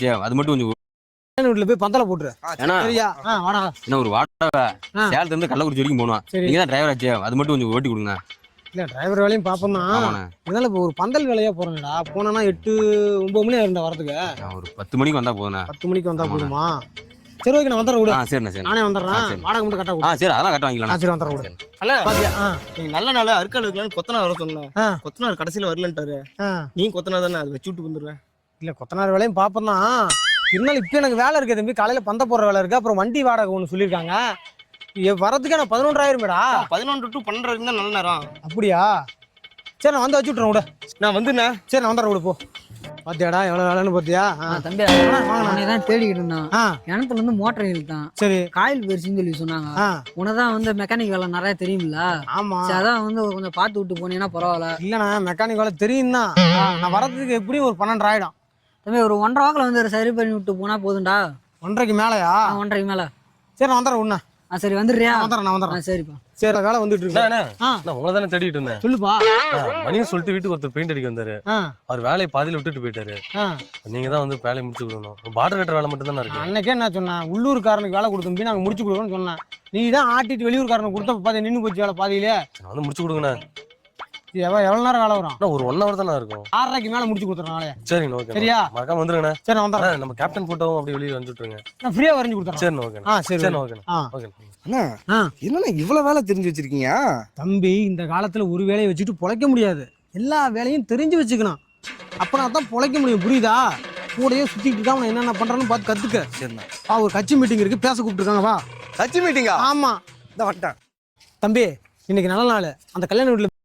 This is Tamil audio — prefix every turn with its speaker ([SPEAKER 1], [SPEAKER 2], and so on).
[SPEAKER 1] அது மட்டும் கொஞ்சம்
[SPEAKER 2] வீட்டுல போய் பந்தல போட்டுரு. சரியா? வாடா.
[SPEAKER 1] என்ன ஒரு வாடகை சேலத்துல இருந்து கள்ளக்குறிச்சி வரைக்கும் போகணும். நீங்க தான் டிரைவர் ஆச்சே, அது மட்டும் கொஞ்சம் ஓட்டி கொடுங்க.
[SPEAKER 2] இல்ல டிரைவர் வேலையும் பாப்போம் தான். இதனால இப்போ ஒரு பந்தல் வேலையா போறேன்டா. போனா 8 9 மணி ஆயிருந்தா வரதுக்கு.
[SPEAKER 1] ஒரு 10 மணிக்கு வந்தா போதுண்ணா.
[SPEAKER 2] 10 மணிக்கு வந்தா போதுமா? சரி ஓகே, நான் வந்துடுறேன் விடு.
[SPEAKER 1] சரிண்ணா சரி.
[SPEAKER 2] நானே வந்துடுறேன். வாடகை மட்டும் கட்ட விடு.
[SPEAKER 1] சரி அதெல்லாம் கட்ட வாங்கிக்கலாம்.
[SPEAKER 2] சரி வந்துடுறேன் விடு.
[SPEAKER 3] அல்ல நீங்க நல்ல நாள் அறுக்கால் வைக்கலான்னு கொத்தனார் வர சொன்னேன். கொத்தனார் கடைசியில வரலன்ட்டாரு. நீ கொத்தனார் தானே, அது வச்சு விட்டு வந்துடுவேன்.
[SPEAKER 2] இல்ல கொத்தனார் வேலையும் பாப்போம் தான். இருந்தாலும் இப்போ எனக்கு வேலை இருக்கு தம்பி. காலையில பந்த போடுற வேலை இருக்கு. அப்புறம் வண்டி வாடகை ஒன்று சொல்லியிருக்காங்க. வரதுக்கே நான் 11,000 மேடா.
[SPEAKER 3] 11 to 12 வரைக்கும் தான் நல்ல நேரம்.
[SPEAKER 2] அப்படியா? சரி நான் வந்து வச்சு விட்றேன் விட.
[SPEAKER 3] நான் வந்துண்ணே.
[SPEAKER 2] சரி நான் வந்துடுறேன் விடு. போ பாத்தியாடா எவ்வளவு வேலைன்னு பாத்தியா?
[SPEAKER 4] தம்பி நானே தான் தேடிக்கிட்டு இருந்தான். கிணத்துல இருந்து மோட்டர் இழுத்தான். சரி காயில் போயிருச்சுன்னு சொல்லி சொன்னாங்க. உனதான் வந்து மெக்கானிக் வேலை நிறைய தெரியுமில்ல?
[SPEAKER 2] ஆமா,
[SPEAKER 4] அதான் வந்து கொஞ்சம் பார்த்து விட்டு போனீங்கன்னா பரவாயில்ல.
[SPEAKER 2] இல்லண்ணா மெக்கானிக் வேலை தெரியும் தான். நான் வரதுக்கு எப்படியும் ஒரு 12 ஆயிடும்
[SPEAKER 4] தம்பி. ஒரு 1.5 வாக்கில் வந்து சரி பண்ணி விட்டு போனா போதும்டா.
[SPEAKER 2] 1.5க்கு மேலயா?
[SPEAKER 4] 1.5க்கு மேல.
[SPEAKER 2] சரி நான் வந்துடுறேன் உன்ன.
[SPEAKER 4] சரி வந்துடுறியா?
[SPEAKER 2] நான் வந்துடுறேன்.
[SPEAKER 4] சரிப்பா.
[SPEAKER 2] சரி வேலை வந்துட்டு இருக்கு.
[SPEAKER 5] நான் உங்களை தானே தேடிட்டு இருந்தேன்.
[SPEAKER 2] சொல்லுப்பா.
[SPEAKER 5] மணியும் சொல்லிட்டு வீட்டுக்கு ஒருத்தர் பெயிண்ட் அடிக்க வந்தாரு. அவர் வேலையை பாதியில விட்டுட்டு போயிட்டாரு. நீங்க தான் வந்து வேலையை முடிச்சு கொடுக்கணும். பார்டர் கட்டுற வேலை மட்டும் தானே இருக்கு.
[SPEAKER 2] அன்னைக்கே என்ன சொன்னேன், உள்ளூர்காரனுக்கு வேலை கொடுத்தோம் நாங்க முடிச்சு கொடுக்கணும்னு சொன்னேன். நீ தான் ஆட்டிட்டு வெளியூர்காரனுக்கு கொடுத்த பாதி நின்று போச்சு வேலை பாதியிலே.
[SPEAKER 5] நான் வந்து முடிச்சு கொடுங்கண்ணா.
[SPEAKER 2] எவ்வளவு நேரம் வேலை வரும்?
[SPEAKER 5] ஒரு 1 hour தானே இருக்கும்.
[SPEAKER 2] 6:30க்கு மேல முடிச்சு கொடுத்துறேன் நாளைய.
[SPEAKER 5] சரி ஓகே. சரியா? மறக்காம வந்துருங்கண்ணா.
[SPEAKER 2] சரி நான் வந்துடுறேன்.
[SPEAKER 5] நம்ம கேப்டன் போட்டோவும் அப்படி வெளியே வந்துட்டுருங்க.
[SPEAKER 2] நான் ஃப்ரீயா வரைஞ்சு கொடுத்துறேன்.
[SPEAKER 5] சரி ஓகே. சரி ஓகே. ஓகே.
[SPEAKER 3] அண்ணா என்னண்ணா இவ்வளவு வேலை தெரிஞ்சு வச்சிருக்கீங்க?
[SPEAKER 2] தம்பி இந்த காலத்துல ஒரு வேலையை வச்சுட்டு பொழைக்க முடியாது. எல்லா வேலையும் தெரிஞ்சு வச்சுக்கணும். அப்பனா தான் பொழைக்க முடியும். புரியுதா? கூடயே சுத்திட்டு இருக்காம என்னென்ன பண்றான்னு பார்த்து கத்துக்க. சரிண்ணா. ஒரு கட்சி மீட்டிங் இருக்கு, பேச கூப்பிட்டுருக்காங்க. வா.
[SPEAKER 3] கட்சி மீட்டிங்கா?
[SPEAKER 2] ஆமா,
[SPEAKER 3] இந்த வந்துட்டேன்.
[SPEAKER 2] தம்பி இன்னைக்கு நல்ல நாள். அந்த கல்யாண வீட்டுல